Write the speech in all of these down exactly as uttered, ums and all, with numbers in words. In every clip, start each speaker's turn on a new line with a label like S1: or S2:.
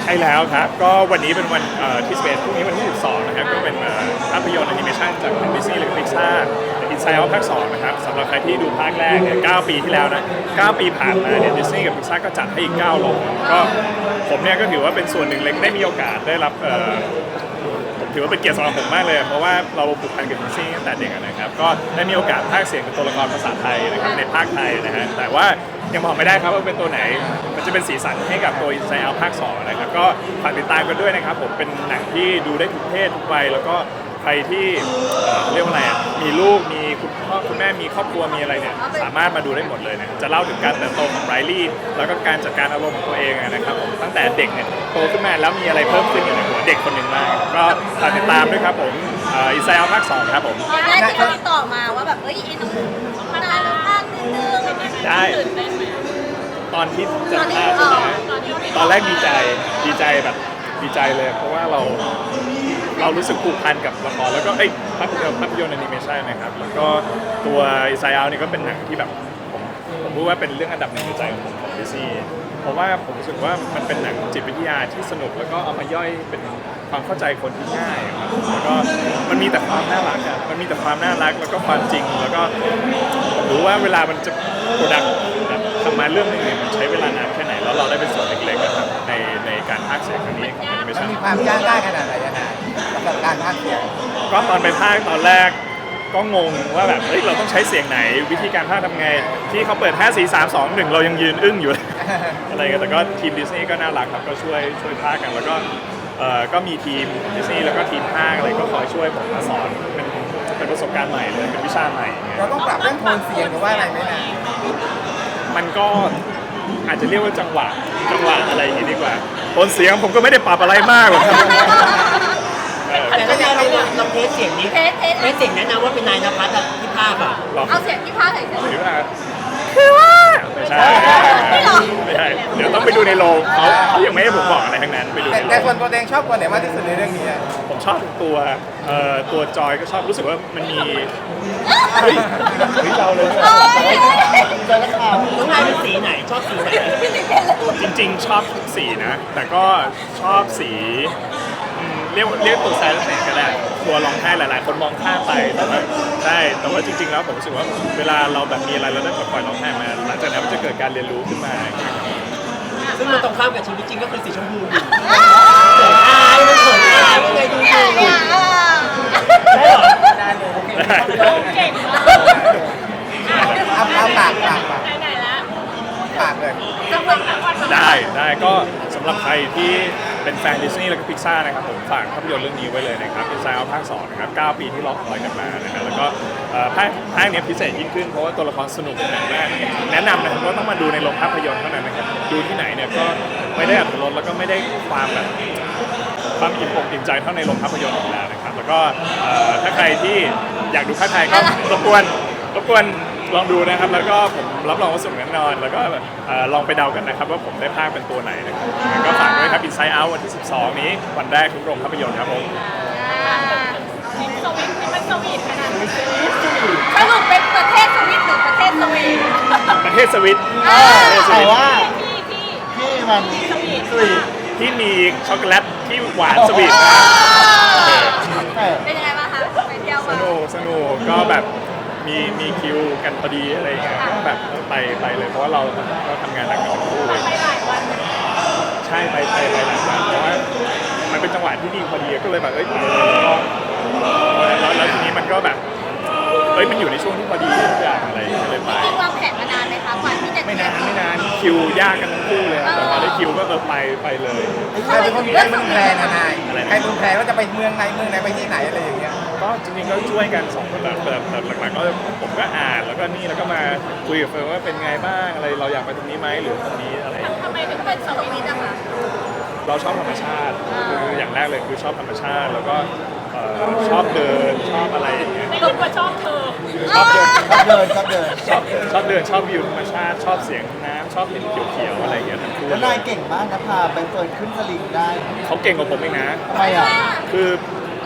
S1: ใช่แล้วครับก็วันนี้เป็นวันเอ่อที่สิบเอ็ดพรุ่งนี้วันที่สิบสองนะครับก็เป็นเอ่อภาพยนตร์แอนิเมชันจากดิสนีย์หรือ Pixar Inside Out ภาคสองนะครับสำหรับใครที่ดูภาคแรกเนี่ยเก้าปีที่แล้วนะเก้าปีผ่านมาเนี่ยดิสนีย์กับ Pixar ก็จัดให้อีกเก้าลงก็ผมเนี่ยก็ถือว่าเป็นส่วนหนึ่งเล็กได้มีโอกาสได้รับเอ่อ ผมถือว่าเป็นเกียรติสำหรับผมมากเลยเพราะว่าเราผูกพันกับดิสนีย์ตั้งแต่เด็กนะครับก็ได้มีโอกาสพากย์เสียงเป็นตัวละครภาษาไทยนะครับในภาคไทยนะฮะแต่ว่ายังบอกไม่ได้ครับว่าเป็นตัวไหนมันจะเป็นสีสันให้กับตัว Inside Out ภาคสองนะครับก็ฝากติดตามกันด้วยนะครับผมเป็นหนังที่ดูได้ทุกเพศทุกวัยแล้วก็ใครที่เอ่อเรียกว่าอะไรอ่ะมีลูกมีคุณพ่อคุณแม่มีครอบครัวมีอะไรเนี่ยสามารถมาดูได้หมดเลยนะจะเล่าถึงการเติบโตของไรลี่แล้วก็การจัดการอารมณ์ของตัวเองนะครับผมตั้งแต่เด็กเนี่ยโตขึ้นมาแล้วมีอะไรเพิ่มขึ้นอยู่ในหัวเด็กคนหนึ่งมากก็ฝากติดตามด้วยครับผมอินไซด์เอาภาคสองครับผม
S2: ตอนแรกที่เขาติดต่อมาว่าแบบเอ้ยอินต้องพัฒนาภาคนิดนึง
S1: ได้ตอนที่จะพาใช่ไหมตอนแรกดีใจดีใจแบบดีใจเลย เพราะว่าเราเรารู้สึกผูกพันกับละครแล้วก็เอ้ยภาพยนตร์ภาพยนตร์แอนิเมชันนะครับแล้วก็ตัวอินไซด์เอานี่ก็เป็นหนังที่แบบผมผมรู้ว่าเป็นเรื่องอันดับหนึ่งในใจของผมของดิสนีย์เพราะว่าผมรู้สึกว่ามันเป็นหนังจิตวิทยาที่สนุกแล้วก็เอามาย่อยเป็นความเข้าใจคนที่ง่ายครับแล้วก็มันมีแต่ความน่ารักอ่ะมันมีแต่ความน่ารักแล้วก็ความจริงแล้วก็ผมรู้ว่าเวลามันจะโปรดักต์แบบทำมาเรื่องนึงเนี่ยมันใช้เวลานานแค่ไหนแล้วเราได้เป็นส่วนเล็กๆนะครับในในการพากย์เสียงครั้งนี้ของแอนิเม
S3: มั
S1: ชั
S3: น
S1: น
S3: มีความยากง่ายขนาดไหนยังไงสำหรับการพากย์เสียง
S1: ก็ตอนไปพากย์ตอนแรกก็งงว่าแบบเฮ้ยเราต้องใช้เสียงไหนวิธีการพากย์ทำไงที่เขาเปิดห้า สี่ สาม สอง หนึ่งเรายังยืนอึ้งอยู่ อะไรกันแต่ก็ทีมดิสนีย์ก็น่ารักครับก็ช่วยช่วยพากย์กันแล้วก็เอ่อก็มีทีมดิสนีย์แล้วก็ทีมพากย์อะไรก็คอยช่วยผมมาสอนเป็นเป็นประสบการณ์ใหม่เลยเป็นวิชาใหม่อย่างเงี้ย
S3: เราต้องปรับเรื่องโทนเสียงหรือว่าอะไรไหมนะ
S1: มันก็อาจจะเรียกว่าจังหวะจังหวะอะไรอย่างงี้ดีกว่าโทนเสียงผมก็ไม่ได้ปรับอะไรมากหรอกครับเออ
S4: แต่ก็ยังเราเราเทสเสียงนี้
S2: เทสเทส
S4: เทสเสียงแนะนำว่าเป็นนายนภัสอะที่ภาคอะ
S1: ลอง
S2: เอาเสียงที่พากย์ใส่เสียง
S1: หรือว่าคือว่าไม่ใช่
S2: ไม่หรอ
S1: ไม่ใช่เดี๋ยวต้องไปดูในโรงเขาเขายังไม่ให้ผมบอกอะไรทั้งนั้นไปดู
S3: แต่
S1: ในโร
S3: แต่
S1: ง
S3: ส่วนตัวเองชอบตัวไหนมากที่สุดในเรื่องนี้อะ
S1: ผมชอบทุกตัวเอ่อตัวจอยก็ชอบรู้สึกว่ามันมีเฮ้ยเฮ้ยเราเลย
S2: เอ้ย
S4: น้องนายเป็นสีไหนชอบสีไหน
S1: จริงๆ ชอบทุกสีนะ แต่ก็ชอบสีอืมเรียกเรียกตัวแซนเซนก็ได้ตัวร้องไห้หลายๆ คนมองข้ามไปแต่ว่าใช่แต่ว่าจริงๆ แล้วผมรู้สึกว่าเวลาเราแบบมีอะไรเราได้ปลดปล่อยร้องไห้มาหลังจากนั้นมันจะเกิดการเรียนรู้ขึ้นมา
S4: ซึ่งมันตรงข้ามกับชีวิตจริงก็คือสีชมพูอยู่เขินอายมันเขินอายยังไงดู
S2: เนี่ย
S4: ดู
S2: เนี่ย
S4: ได้เหรอได้เลยโอเค
S2: เก่งมาก
S3: เอาเอาปากปากปาก
S2: ไหนๆละ
S3: ปากเลย
S2: จะเป็นแบบว่า
S1: ได้ได้ก็สำหรับใครที่เป็นแฟนดิสนีย์แล้วก็พิกซ่านะครับผมฝากภาพยนตร์เรื่องนี้ไว้เลยนะครับ Inside Out ภาคสองนะครับเก้าปีที่รอคอยกันมานะครับแล้วก็เอ่อภาคภาคเนี้ยพิเศษยิ่งขึ้นเพราะว่าตัวละครสนุกมากแนะนำนะครับว่าต้องมาดูในโรงภาพยนตร์เท่านั้นนะครับดูที่ไหนเนี่ยก็ไม่ได้อัตรสแล้วก็ไม่ได้ความแบบความอิ่มอกอิ่มใจเท่าในโรงภาพยนตร์อีกแล้วนะครับแล้วก็เอ่อถ้าใครที่อยากดูภาคไทยก็รบกวนรบกวนลองดูนะครับแล้วก็ผมรับรองว่าสนุกแน่นอนแล้วก็เอ่อลองไปเดากันนะครับว่าผมได้ภาคเป็นตัวไหนนะครับก็ฝากด้วยครับ Inside Out วันที่สิบสองนี้วันแรกทุกโรงภาพยนตร์ครับผม
S2: ทีมสวิตนี่มันสวีทขนาดไหนสรุปเป็นประเทศสวิตหรือประเทศสวีท
S1: ประเทศสวิต
S2: อ่า
S1: ประเทศส
S5: แต่
S1: วิต
S5: ว่า
S2: ที่ที่
S5: ที่มันสวีท
S1: ที่มีช็อกโกแลตที่หวานสวีทนะ
S5: แต่
S2: เป็นยังไงบ้างคะไปเที่ยว
S1: ส
S2: มา
S1: นุกสนุกก็แบบมีมีคิวกันพอดีอะไรอย่างเงี้ยก็แบบไปไปเลยเพราะว่าเราก็ทำงานหนักกันทั้งคู่
S2: ไปหลายวัน
S1: ใช่ไปไปไปหลายวันเพราะว่ามันเป็นจังหวะที่ดีพอดีก็เลยแบบเอ้ยแล้วแล้วทีนี้มันก็แบบเอ้ยมันอยู่ในช่วงที่พอดีทุกอย่างอะไรก็เลยไป
S2: จริงวางแผนมานานไหมคะกว่าที่จะ
S1: ไม่นานไม่นานคิวยากกันทั้งคู่เลยอะแต่พอได้คิวก็เออไปไปเลย
S3: ใครเป็นคนใครเป็นคนแพลนอะนายใครเป็นคนแพลนว่าจะไปเมืองไหนเมืองไหนไปที่ไหนอะไรอย่างเงี้ย
S1: ก็จริงๆก็ช่วยกันสองคนแบบแบบแบบหลักๆก็ผมก็อ่านแล้วก็นี่แล้วก็มาคุยกับเฟิร์นว่าเป็นไงบ้างอะไรเราอยากไปตรงนี้ไหมหรือตรงนี้อะไร
S2: ทำไมถึงเป็นสวิตอะคะ
S1: เราชอบธรรมชาติคืออย่างแรกเลยคือชอบธรรมชาติแล้วก็เอ่อชอบเดินชอบอะไรอย่างเงี้ย
S2: ไม่รู้ว่าชอบเธอ
S1: ชอบเดิน
S5: ชอบเดินชอบเดิน
S1: ชอบชอบเดินชอบวิวธรรมชาติ ชอบเสียงน้ำชอบเห็นเขียวๆอะไรอย่างเงี้ยทั้งคู่
S5: แล้วนายเก่งมากนะพาไปเฟิร์นขึ้นสลิงได้
S1: เขาเก่งกว่าผมเองนะ
S5: ทำไมอ่ะ
S1: คือ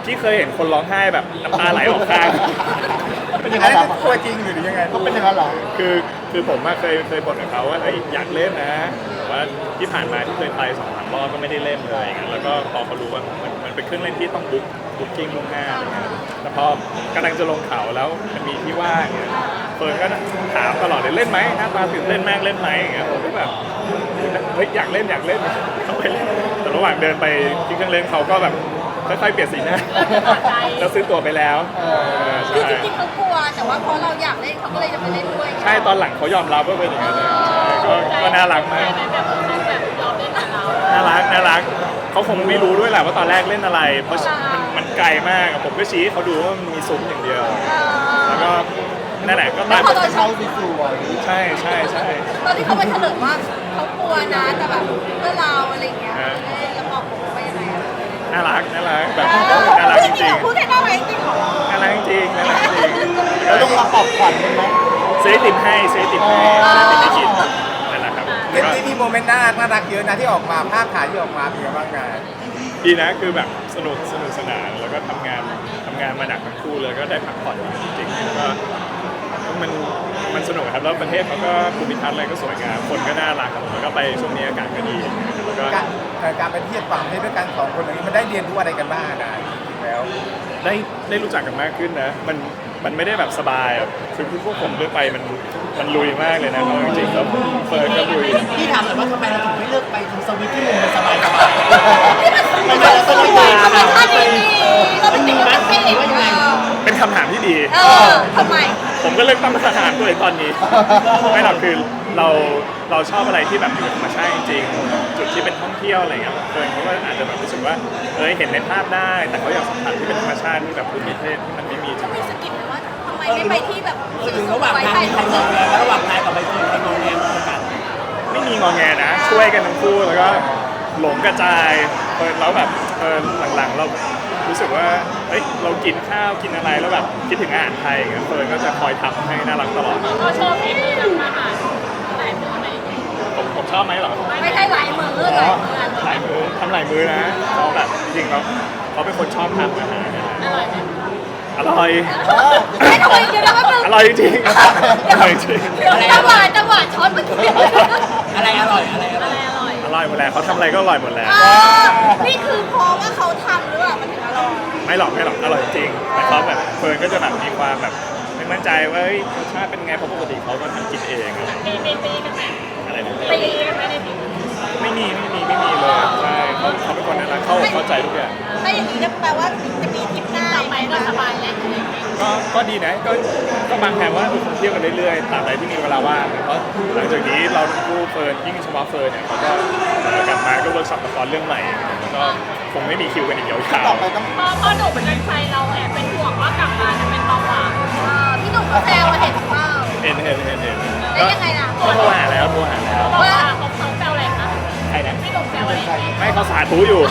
S1: ที่เคยเห็นคนร้องไห้แบบน้ำตาไหลออกข้าง
S5: เป็นยัง
S3: อั
S5: ไง
S3: นนั้น
S5: ล่ะ
S3: คือตัวจริงหรือยังไง
S5: เขาเป็นยังไงล่ะ
S1: คือคือผมอะเคยเคยบ่นกับเขาว่าเอ้ยอยากเล่นนะแต่ว่าที่ผ่านมาที่เคยไปสองสามรอบก็ไม่ได้เล่นเลยอย่างเงี้ยแล้วก็พอเขารู้ว่ามันมันเป็นเครื่องเล่นที่ต้องบุ๊กบุ๊กกิ้งล่วงหน้าอะไรเงี้ยแต่พอกำลังจะลงเขาแล้วมันมีที่ว่างอย่างเงี้ยเฟิร์นก็ถามตลอดเลยเล่นไหมหน้าตาตื่นเต้นมากเล่นไหมอย่างเงี้ยผมก็แบบเฮ้ยอยากเล่นอยากเล่นเขาไปเล่นแต่ระหว่างเดินไปที่เครื่องเล่นเขาก็แบบค่อยๆเปลี่ยนสีหน้าแล้วซื้อตั๋วไปแล้วเออ
S2: คือ
S1: ใช่
S2: จริงๆเขากลัวแต่ว่าเพราะเราอยากเล่นเขาก็เลยจะไปเล่นด้วย
S1: ใช่ตอนหลังเขายอมรับว่าเป็นอย่างนั้นเลยใช่ก็ก็น่ารักมาก
S2: แบบเขาแบบยอมเล่นกับเรา
S1: น่ารักน่ารักเขาคงไม่รู้ด้วยแหละว่าตอนแรกเล่นอะไร เพราะมันมันไกลมากอะผมก็ชี้ให้เขาดูว่ามันมีซุ้มอย่างเดียว แล้วก็นั่นแหละก็ตาม
S5: เป็นเขาสวย
S1: ใช่ใช่ใช่
S2: ตอนที่เขาไปเฉลิมว่าเขากลัวนะแต่แบบเพื่อเราอะไรอย่างเงี้ยแล้วบอกผมว่ายังไงอะ
S1: น่ารักน่ารักแบบน่ารักจ
S2: จริ
S1: ริ
S2: ง
S1: ง
S2: ๆพูดแค่น่ารักจริงเหรอ
S1: ๆน่ารักจริงน่ารักจริง
S5: ๆเราต้องมาปลอบขวัญกันไหม
S1: ซื้อไอติมให้ซื้อไอติมให้ซื้อไอติมให้กินนั่นแหละครับ
S3: เล่นที่มีโมเมนต์น่ารักน่ารักเยอะนะที่ออกมาภาพถ่ายที่ออกมาเป็นยังไงบ้างงาน
S1: ดีนะคือแบบสนุกสนุกสนานแล้วก็ทำงานทำงานมาหนักทั้งคู่เลยก็ได้พักผ่อนจริงๆแล้วก็มันมันสนุกครับแล้วประเทศเขาก็ภูมิทัศน์อะไรก็สวยงามคนก็น่ารักครับแล้วก็ไปช่วงนี้อากาศก็ดีแล้วก็
S3: การเอ่อการไปเที่ยวต่างประเทศด้วยกันสองคนอย่างนี้มันได้เรียนรู้อะไรกันบ้างนะจริงๆแล้ว
S1: ได้ได้รู้จักกันมากขึ้นนะมันมันไม่ได้แบบสบายอะคือพวกผมเลือกไปมันมันลุยมากเลยนะเอาจริงๆแล้วเฟิร์นก็ลุย
S4: พี่ถามหน่อยว่าทำไมเราถึงไม่เลือกไปทำสวิตที่มุมมันสบายสบาย
S2: มันเป็นสนุกดีมันเป็นท่าดีเราเป็นเด็กเราเป็นเด็ก
S1: เป็นคำถามที่ดี
S2: เออทำไม
S1: ผมก็เลือกตั้งมาตรฐานตัวเองตอนนี้ ไม่หรอกคือเราเราชอบอะไรที่แบบอยู่กับธรรมชาติจริงๆจุดที่เป็นท่องเที่ยวอะไรเงี้ยเฟิร์นเขาก็อาจจะแบบรู้สึกว่าเออเห็นในภาพได้ แต่เขาอยากสัมผัสที่เป็นธรรมชาติที่แบบภูมิประเทศที่มันไม่มีจ
S2: ก็
S1: ริง
S2: มีสกิปเลยว่าทำไมไม่ไปที่แบบ
S4: คือระหว่างทางมีใครงอแงระหว่างนายกับใบเฟิร์นใครงอแงมากกว่ากัน
S1: ไม่มีงอแงนะ ช่วยกันทั้งคู่แล้วก็หลงกระจายเออแล้วแบบเออหลังๆเรารู้สึกว่าเอ้ยเรากินข้าวกินอะไรแล้วแบบคิดถึงอาหารไทยเงี้ยเฟิร์นก็จะคอยทำให้น่ารักตลอด
S2: เขาชอบฝีมือทำอาหารหลายมือไหม
S1: ผมผมชอบไหมเหรอ
S2: ไม่ใช่หลายมือห
S1: อ๋
S2: ลายมือ
S1: อหลายมือทำหลายมือนะเขาแบบจริงๆเขาเขาเป็นคนชอบทำอาหารนะ
S2: อร่อยไหม
S1: อร่อย
S2: ไม่ทำไมเดี๋ยวนะว่ามึง
S1: อร่อยจริงๆอร่อยจริง
S2: เดี๋ยวจังหวะจังหวะช้อนเมื่อกี้
S4: อะไรอร่อยอะไรอร่อย
S2: อร่อย
S1: อร่อยหมดแล้วเขาทำอะไรก็อร่อยหมดแล้ว
S2: นี่คือเพราะว่าเขาทำหรือเปล่ามันถึงอร่อย
S1: ไม่หรอกไม่หรอกอร่อยจริงแต่เขาแบบเฟิร์นก็จะแบบมีความแบบไม่มั่นใจว่าเฮ้ยรสชาติเป็นไงเพราะปกติเขาก็ทำกินเองอะไร
S2: ตีตีตีกันไหม
S1: อะไรนะ
S2: ตีกันไหมในที
S1: ไม่มีไม่มีไม่มีเลยใช่เขาเขาเป็นคนน่ารักเขาเข้าใจทุกอย่าง
S2: ถ้าอย่างนี้ก็แปลว่าจะมีทริปหน้าต่อไปก็สบายแล้ว
S1: ก็ก็ดีนะก็ก็บางแผนว่าเออคงเที่ยวกันเรื่อยๆตราบใดที่มีเวลาว่างเพราะหลังจากนี้เราทั้งคู่เฟิร์นยิ่งเฉพาะเฟิร์นเนี่ยเขาก็เอ่อกลับมาก็เวิร์กช็อปละครเรื่องใหม่แล้วก็คงไม่มีคิวกันอีกยาว
S5: ต่อไปต้อง
S2: พอพอหนูเป็นกันไฟเราแอบเป็นห่วงว่ากลับมาจะเป็นเบาหวานพี่หนุ่มก็แซวเห็นเปล่า
S1: ๆเห็นเห็นเห็นเห็น
S2: แล้วยังไงล่ะ
S1: ก็โทรหาแล้วโทรหาแล้ว
S2: ว่าเขาเขาแซวอะไรคะ
S1: ใครนะ
S2: พี่หนุ่มแซวอะไร
S1: ไม่เขาสาธุอยู่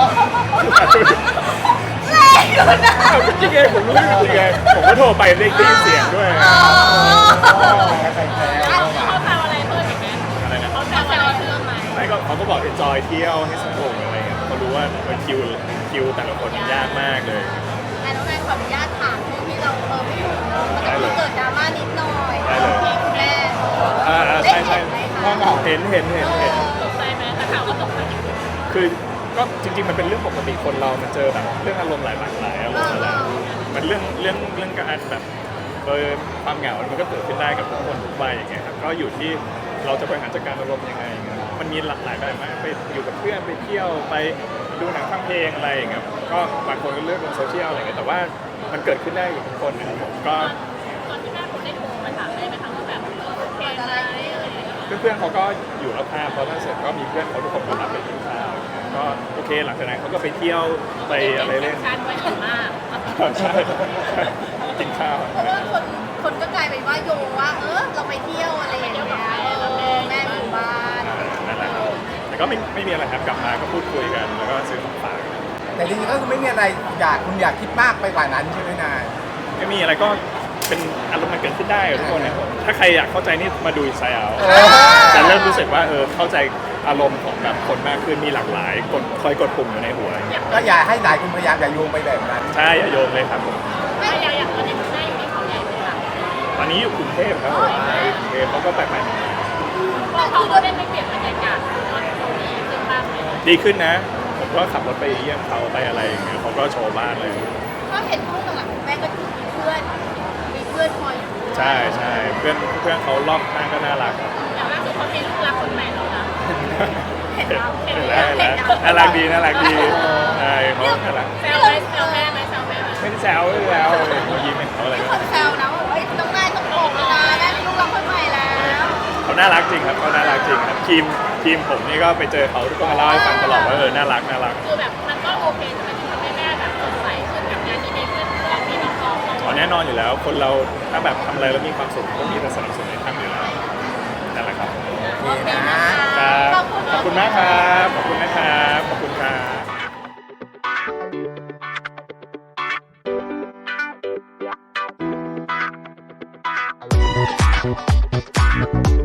S2: แรงอยู่นะ
S1: เอาจริงไงผมรู้จริงไงผมก็โทรไปได้ยินเสียงด้วย
S5: ใส่แซว
S2: เขาแซวอะไรเพิ่มอีกไหม
S1: อะไรนะ
S2: เขาแซวอะไรเพิ่มไหม
S1: ไม่ก็เขาก็บอก enjoy เที่ยวให้สนุกอะไรเงี้ยเขารู้ว่าเออคิวคิวแต่ละคนมันยากมากเลย
S2: แต่น้องแนนขออนุญาตถามช่วงที่เราเออไม่อยู่เนอะมันจะมีเกิดดราม่านิดหน่อยพี่คุณแม่
S1: อ่าอ่าใช่ใช่เห็นเห็นเห็นเห็น
S2: ตกใจไหมแต่ข่าวก็ตกใจ
S1: คือก็จริงๆมันเป็นเรื่องปกติคนเรามันเจอแบบเรื่องอารมณ์หลายหลากหลายอารมณ์อะไรมันเรื่องเรื่องเรื่องการแบบเออความเหงา มันก็เกิดขึ้นได้กับทุกคนทุกวัยอย่างเงี้ยครับก็อยู่ที่เราจะบริหารจัดการอารมณ์ยังไงเงี้ยมันมีหลากหลายแบบมากไปอยู่กับเพื่อนไปเที่ยวไปดูหนังฟังเพลงอะไรอย่างเงี้ยก็บางคนก็เลือกลงโซเชียลอะไรเงี้ยแต่ว่ามันเกิดขึ้นได้กับทุกคนนะครับผมก็
S2: ตอนที่แม่ผมได้โทรมาถามได้ไหมคะว่าแบบโอเคอะไรอะไรอย่างเงี้ย
S1: เพื่อนๆเขาก็อยู่รับภาพพอท่านเสร็จก็มีเพื่อนเขาทุกคนก็รับไปกินข้าวอย่างเงี้ยก็โอเคหลังจากนั้นเขาก็ไปเที่ยวไปอะไรเล่น
S2: ชันไว้ถึงมาก
S1: ใช่กินข้าว
S2: เพราะว่าคนคนก็กลายเป็นว่าโยงว่าเออเราไปเที่ยวอะไรอย่างเงี้ยเออแม่อยู่บ้าน
S1: นั่นแหละครับแต่ก็ไม่ไม่มีอะไรครับกลับมาก็พูดคุยกันแล้วก็ซื้อของฝาก
S3: แต่จริงๆก็คือไม่มีอะไรอยากคุณอยากคิดมากไปกว่านั้นใช่ไหมนาย
S1: ไม่มีอะไรก็เป็นอารมณ์มันเกิดขึ้นได้กับทุกคนนะครับผมถ้าใครอยากเข้าใจนี่มาดูอินไซด์เอาจะเริ่มรู้สึกว่าเออเข้าใจอารมณ์ของแบบคนมากขึ้นมีหลากหลายกดคอยกดปุ่มอยู่ในหัว
S3: ก็อย่าให้หลายคนพยายามอย่าโยงไปแบบนั้น
S1: ใช่อย่าโยงเลยครับผม
S2: ไม่อย่างอย่างตอนนี้คุณแม่อยู่ที่เขาใหญ่ไหมคะ
S1: ตอนนี้อยู่กรุงเทพครับผมกรุงเทพเขาก็แปลกใหม่
S2: พอเขาก็ได้ไปเปลี่ยนบรรยากาศตอนเขาดีขึ้นบ้างไหม
S1: ดีขึ้นนะ ผมก็ขับรถไปเยี่ยมเขาไปอะไรอย่างเงี้ยเขาก็โชว์บ้านเลย
S2: ก็เห็นช่วงหลังๆแม่ก็คือมีเพื่อนมีเพื่อนคอยอยู่
S1: ใช่ใช่เพื่อนเพื่อนเขารอบข้างก็น่ารักครับ
S2: อย่างล่าสุดเขามีลูกรักคนใหม่แล้วนะ
S1: เห็นแล้วเห็นแล้วน่ารักดีน่ารักดีใช่เขาน่ารัก
S2: แซวไหมแซวแม่ไหมแซวแม่ไหม
S1: ไม่ได้แซวไม่ได้แซวเขายิ้มให้เขาอะไร
S2: มี
S1: ก็
S2: คนแซวนะว่าเอ้ยต้องแม่ต้องบอกแล้วนะแม่มีลูกรักคนใหม่แล้ว
S1: เขาน่ารักจริงครับเขาน่ารักจริงครับทีมทีมผมนี่ก็ไปเจอเขาทุกคนมาเล่าให้ฟังตลอดว่าเออน่ารักน่ารัก
S2: คือแบบมันก็โอเคใช่ไหมที่ทำให้แม่แบบสดใสขึ้นกับงานที่มีเพื่อนเพื่อนมีน้องๆ
S1: อ๋อแน่นอนอยู่แล้วคนเราถ้าแบบทำอะไรแล้วมีความสุขก็มีแต่สนับสนุนให้ทำอยู่แล้วนั่นแหละครับ
S2: โอเคนะ
S1: ค
S2: คะ
S1: รับ
S2: ขอบคุณ
S1: ขอบคุณมากครับขอบคุณนะครับขอบคุณครับ